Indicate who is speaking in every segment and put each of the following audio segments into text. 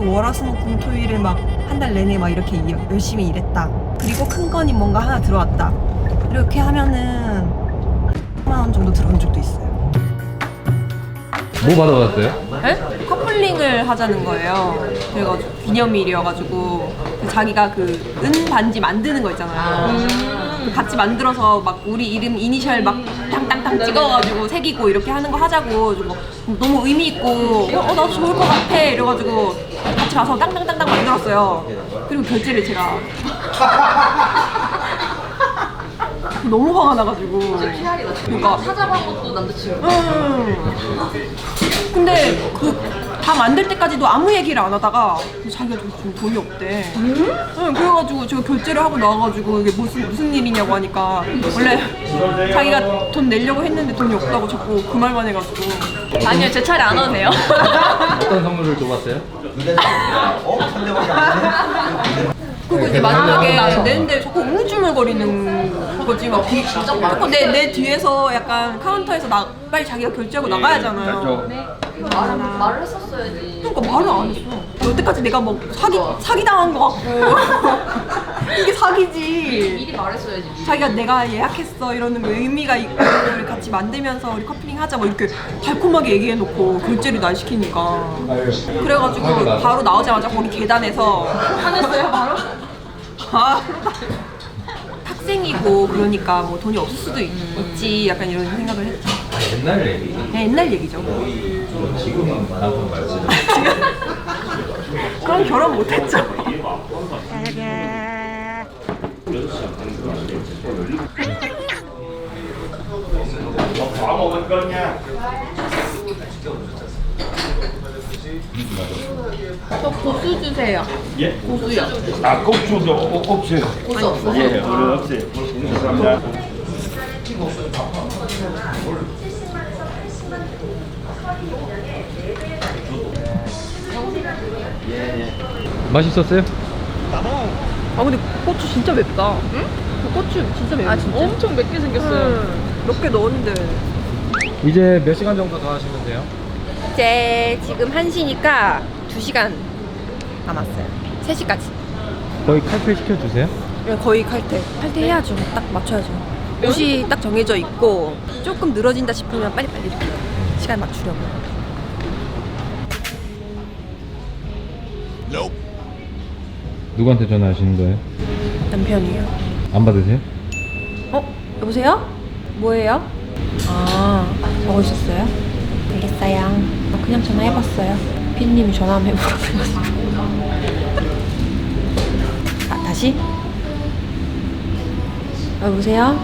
Speaker 1: 월화수목금토일을 막 한 달 내내 막 이렇게 열심히 일했다. 그리고 큰 건이 뭔가 하나 들어왔다. 이렇게 하면은 10만 원 정도 들어온 적도 있어요.
Speaker 2: 뭐 받아봤어요?
Speaker 1: 네? 커플링을 하자는 거예요. 그래가지고 기념일이어가지고 자기가 그 은 반지 만드는 거 있잖아요. 같이 만들어서 막 우리 이름 이니셜 막 땅땅땅 찍어가지고 새기고 이렇게 하는 거 하자고 뭐 너무 의미 있고 나도 좋을 것 같아 이래가지고 같이 가서 땅땅땅땅 만들었어요. 그리고 결제를 제가 너무 화가 나가지고. 그러니까
Speaker 3: 찾아본 것도 남자친구.
Speaker 1: 근데 그 다 만들 때까지도 아무 얘기를 안 하다가 자기가 좀 돈이 없대. 응, 그래가지고 제가 결제를 하고 나와가지고 이게 무슨 일이냐고 하니까 원래 자기가 돈 내려고 했는데 돈이 없다고 자꾸 그 말만 해가지고.
Speaker 3: 아니요, 제 차례 안 와도 돼요.
Speaker 2: 어떤 선물을 줘봤어요?
Speaker 1: 그리고 이제 마지막에 내는데 자꾸 우물쭈물거리는 거지. 막 자꾸 내 뒤에서 약간 카운터에서 빨리 자기가 결제하고 나가야잖아요.
Speaker 3: 말을 했었어야지.
Speaker 1: 그러니까 말을 안 했어. 여태까지 내가 뭐 사기 당한 거 같고 이게 사기지.
Speaker 3: 미리 말했어야지.
Speaker 1: 자기가 내가 예약했어 이러는 거 의미가 있고 우리 같이 만들면서 우리 커플링 하자 뭐 이렇게 달콤하게 얘기해놓고 결제를 날 시키니까. 그래가지고 바로 나오자마자 거기 계단에서
Speaker 3: 화냈어요, 바로?
Speaker 1: 학생이고 그러니까 뭐 돈이 없을 수도 있지 약간 이런 생각을 했지.
Speaker 2: 옛날 얘기?
Speaker 1: 네, 옛날 얘기죠.
Speaker 2: 지금은 남편 말씀.
Speaker 1: 그럼 결혼 못했죠. 저 고수 주세요.
Speaker 4: 예?
Speaker 1: 고수요.
Speaker 4: 아, 고추도 없어요.
Speaker 1: 고수 없어요?
Speaker 4: 예, 우리 없어요. 감사합니다.
Speaker 2: 맛있었어요?
Speaker 1: 아 근데 고추 진짜 맵다. 응? 그 고추 진짜 맵다.
Speaker 3: 아, 진짜? 엄청 맵게 생겼어요.
Speaker 1: 몇 개 넣었는데.
Speaker 2: 이제 몇 시간 정도 더 하시면 돼요?
Speaker 1: 이제 지금 1시니까 2시간 남았어요. 3시까지.
Speaker 2: 거의 칼퇴 시켜주세요?
Speaker 1: 거의 칼퇴. 칼퇴해야죠. 딱 맞춰야죠. 옷이 딱 정해져 있고 조금 늘어진다 싶으면 빨리빨리 이렇게 시간 맞추려고.
Speaker 2: 누구한테 전화하시는 거예요?
Speaker 1: 남편이요.
Speaker 2: 안 받으세요?
Speaker 1: 여보세요? 뭐예요? 적으셨어요? 알겠어요. 그냥 전화해봤어요. 피디님이 전화 한번 해보라고 그래가지고. 다시? 여보세요?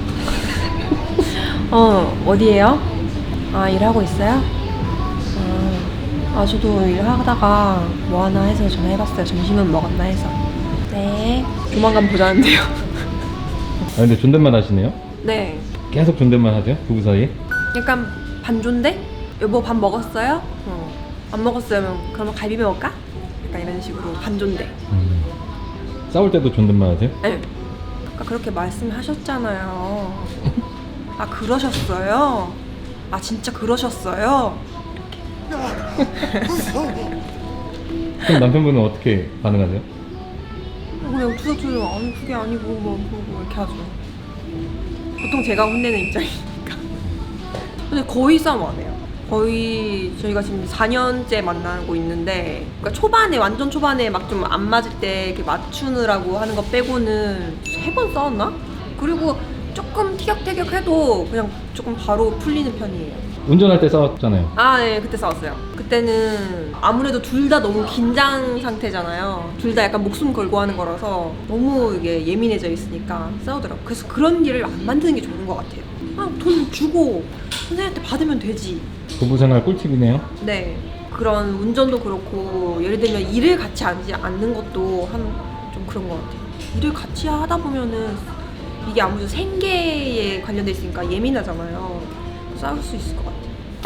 Speaker 1: 어디에요? 일하고 있어요? 저도 일하다가 뭐 하나 해서 전화해봤어요. 점심은 먹었나 해서. 네. 조만간 보자는데요.
Speaker 2: 근데 존댓말 하시네요?
Speaker 1: 네.
Speaker 2: 계속 존댓말 하세요? 부부 사이에?
Speaker 1: 약간 반존대? 여보 밥 먹었어요? 안 먹었어요. 그러면 갈비 먹을까? 약간 이런 식으로 반존대.
Speaker 2: 싸울 때도 존댓말 하세요?
Speaker 1: 네. 아까 그렇게 말씀하셨잖아요. 그러셨어요? 진짜 그러셨어요?
Speaker 2: 그럼 남편분은 어떻게 반응하세요?
Speaker 1: 그냥 투석투석 아니 그게 아니고 뭐 이렇게 하죠. 보통 제가 혼내는 입장이니까. 근데 거의 싸움 안 해요. 거의 저희가 지금 4년째 만나고 있는데, 그러니까 초반에 완전 초반에 막 좀 안 맞을 때 이렇게 맞추느라고 하는 거 빼고는 3번 싸웠나? 그리고 조금 티격태격해도 그냥 조금 바로 풀리는 편이에요.
Speaker 2: 운전할 때 싸웠잖아요.
Speaker 1: 네, 그때 싸웠어요. 그때는 아무래도 둘 다 너무 긴장 상태잖아요. 둘 다 약간 목숨 걸고 하는 거라서 너무 이게 예민해져 있으니까 싸우더라고요. 그래서 그런 일을 안 만드는 게 좋은 것 같아요. 돈 주고 선생님한테 받으면 되지.
Speaker 2: 부부 생활 꿀팁이네요.
Speaker 1: 네. 그런 운전도 그렇고, 예를 들면 일을 같이 하지 않는 것도 좀 그런 것 같아요. 일을 같이 하다 보면은 이게 아무래도 생계에 관련돼 있으니까 예민하잖아요. 싸울 수 있을 것 같아요.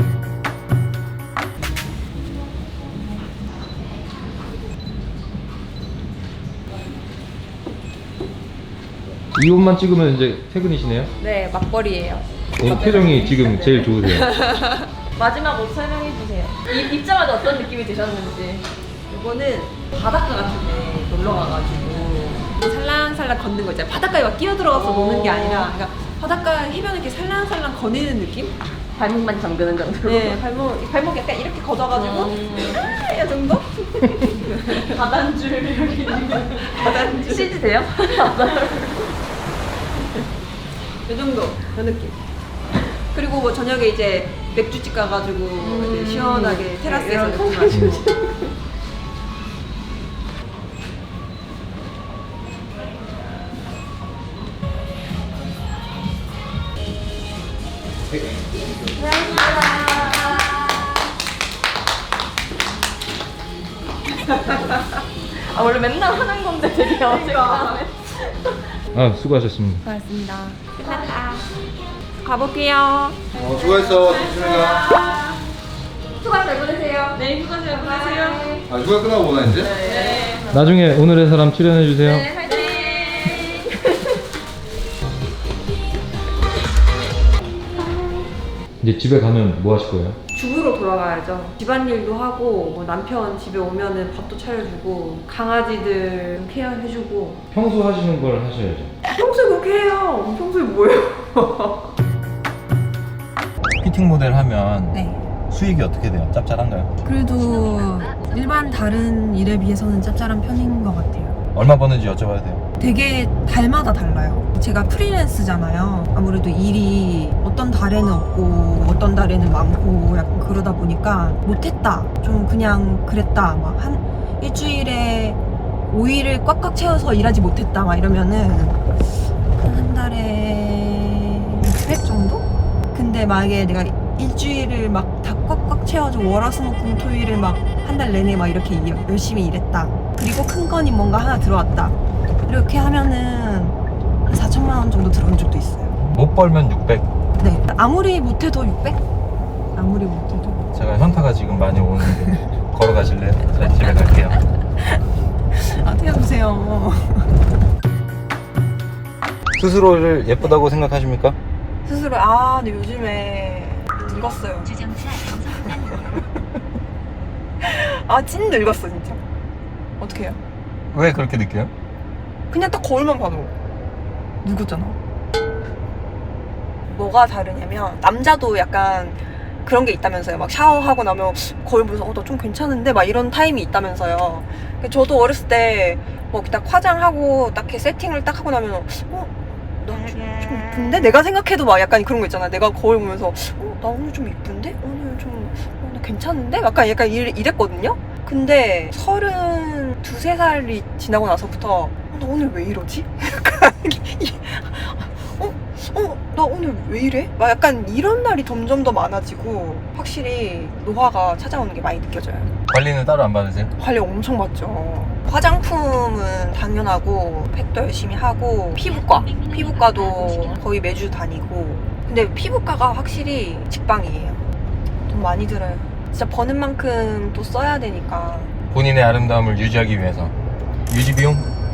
Speaker 2: 이 옷만 찍으면 이제 퇴근이시네요?
Speaker 1: 네, 맞벌이에요.
Speaker 2: 오늘 표정이 지금 제일 좋으세요.
Speaker 3: 마지막 옷 설명해주세요. 입자마자 어떤 느낌이 드셨는지.
Speaker 1: 이거는 바닷가 같은데 놀러 가가지고 살랑살랑 걷는 거 있잖아요. 바닷가에 막 끼어 들어가서 노는 게 아니라 그러니까 바닷가 해변을 이렇게 살랑살랑 거니는 느낌?
Speaker 3: 발목만 잠그는 정도로.
Speaker 1: 네, 발목 약간 이렇게 걷어가지고 이 정도?
Speaker 3: 바단줄 이렇게.
Speaker 1: 바단줄.
Speaker 3: CG 돼요?
Speaker 1: 이 정도, 그 느낌. 그리고 뭐 저녁에 이제 맥주집 가가지고 이제 시원하게 테라스에서 맥주 마시고.
Speaker 3: 아 원래 맨날 하는 건데 되게 어색하네.
Speaker 2: 아 수고하셨습니다.
Speaker 1: 고맙습니다. 끝났다. 가볼게요.
Speaker 5: 수고했어. 조심해가.
Speaker 1: 수고 잘 보내세요.
Speaker 3: 네, 휴가 잘 보내세요.
Speaker 5: 아, 휴가 끝나고 보나 이제?
Speaker 2: 나중에 오늘의 사람 출연해 주세요.
Speaker 1: 네, 화이팅!
Speaker 2: 이제 집에 가면 뭐 하실 거예요?
Speaker 1: 주부로 돌아가야죠. 집안일도 하고 뭐 남편 집에 오면은 밥도 차려주고 강아지들 케어해주고.
Speaker 2: 평소 하시는 걸 하셔야죠.
Speaker 1: 평소에 그렇게 해요. 평소에 뭐예요?
Speaker 6: 피팅 모델 하면
Speaker 1: 네.
Speaker 6: 수익이 어떻게 돼요? 짭짤한가요?
Speaker 1: 그래도 일반 다른 일에 비해서는 짭짤한 편인 것 같아요.
Speaker 6: 얼마 버는지 여쭤봐도 돼요?
Speaker 1: 되게 달마다 달라요. 제가 프리랜스잖아요. 아무래도 일이 어떤 달에는 없고 어떤 달에는 많고 약간 그러다 보니까 못했다. 좀 그냥 그랬다. 막 한 일주일에 5일을 꽉꽉 채워서 일하지 못했다. 막 이러면은 한 달에 600 정도? 근데 만약에 내가 일주일을 막 다 꽉꽉 채워서 월화수목금토일을 막 한 달 내내 막 이렇게 열심히 일했다. 그리고 큰 건이 뭔가 하나 들어왔다. 이렇게 하면은 한 4천만 원 정도 들어온 적도 있어요.
Speaker 6: 못 벌면 600.
Speaker 1: 네. 아무리 못해도 600? 아무리 못해도.
Speaker 6: 제가 현타가 지금 많이 오는데 걸어가실래요? 저 집에 갈게요.
Speaker 1: 아, 태워주세요.
Speaker 6: 스스로를 예쁘다고 생각하십니까?
Speaker 1: 스스로, 근데 요즘에 늙었어요. 찐 늙었어, 진짜. 어떻게 해요?
Speaker 6: 왜 그렇게 느껴요?
Speaker 1: 그냥 딱 거울만 봐도 늙었잖아. 뭐가 다르냐면 남자도 약간 그런 게 있다면서요. 막 샤워하고 나면 거울 보면서 나 좀 괜찮은데 막 이런 타임이 있다면서요. 저도 어렸을 때 뭐 딱 화장하고 딱 이렇게 세팅을 딱 하고 나면 나 좀 이쁜데? 내가 생각해도 막 약간 그런 거 있잖아. 내가 거울 보면서 나 오늘 좀 이쁜데? 오늘 좀 나 괜찮은데? 약간 이랬거든요. 근데 32~33살이 지나고 나서부터 나 오늘 왜 이러지? 약간 나 오늘 왜 이래? 막 약간 이런 날이 점점 더 많아지고 확실히 노화가 찾아오는 게 많이 느껴져요.
Speaker 6: 관리는 따로 안 받으세요?
Speaker 1: 관리 엄청 받죠. 화장품은 당연하고 팩도 열심히 하고 피부과도 거의 매주 다니고. 근데 피부과가 확실히 직방이에요. 돈 많이 들어요. 진짜 버는 만큼 또 써야 되니까.
Speaker 6: 본인의 아름다움을 유지하기 위해서 유지 비용?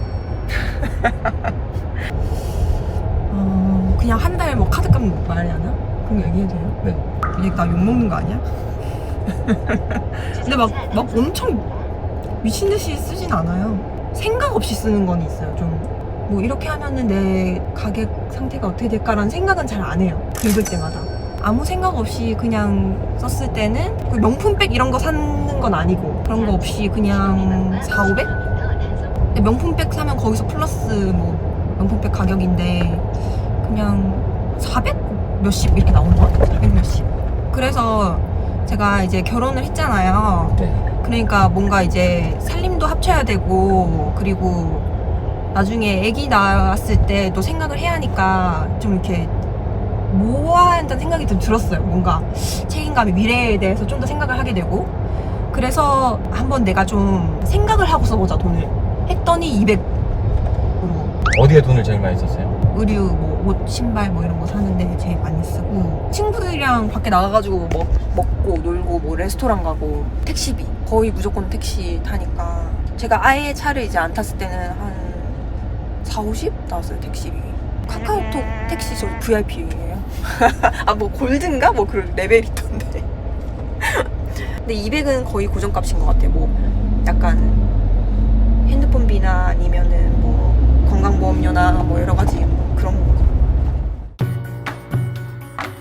Speaker 1: 그냥 한 달 뭐 카드값 말하나? 그런 거 얘기해도 돼요?
Speaker 6: 네.
Speaker 1: 이제 나 욕먹는 거 아니야? 근데 막 엄청 미친 듯이 쓰진 않아요. 생각 없이 쓰는 건 있어요. 좀 뭐 이렇게 하면은 내 가격 상태가 어떻게 될까라는 생각은 잘 안 해요. 긁을 때마다 아무 생각 없이 그냥 썼을 때는 그 명품백 이런 거 사는 건 아니고 그런 거 없이 그냥 400~500? 근데 명품백 사면 거기서 플러스 뭐 명품백 가격인데 그냥 400 몇십 이렇게 나오는 것 같아요. 400 몇십. 그래서 제가 이제 결혼을 했잖아요.
Speaker 6: 네.
Speaker 1: 그러니까 뭔가 이제 살림도 합쳐야 되고 그리고 나중에 아기 낳았을 때도 생각을 해야 하니까 좀 이렇게 모아야 한다는 생각이 좀 들었어요. 뭔가 책임감이 미래에 대해서 좀 더 생각을 하게 되고 그래서 한번 내가 좀 생각을 하고 써보자 돈을 했더니 200으로
Speaker 6: 어디에 돈을 제일 많이 썼어요?
Speaker 1: 의류, 뭐 옷, 신발 뭐 이런 거 사는데 제일 많이 쓰고 친구들이랑 밖에 나가가지고 먹고 놀고 뭐 레스토랑 가고 택시비 거의 무조건 택시 타니까 제가 아예 차를 이제 안 탔을 때는 한 40~50 나왔어요 택시비. 카카오톡 택시 저 VIP예요. 뭐 골든가? 뭐 그런 레벨이 있던데. 근데 200은 거의 고정값인 것 같아요. 뭐 약간 핸드폰비나 아니면은 뭐 건강보험료나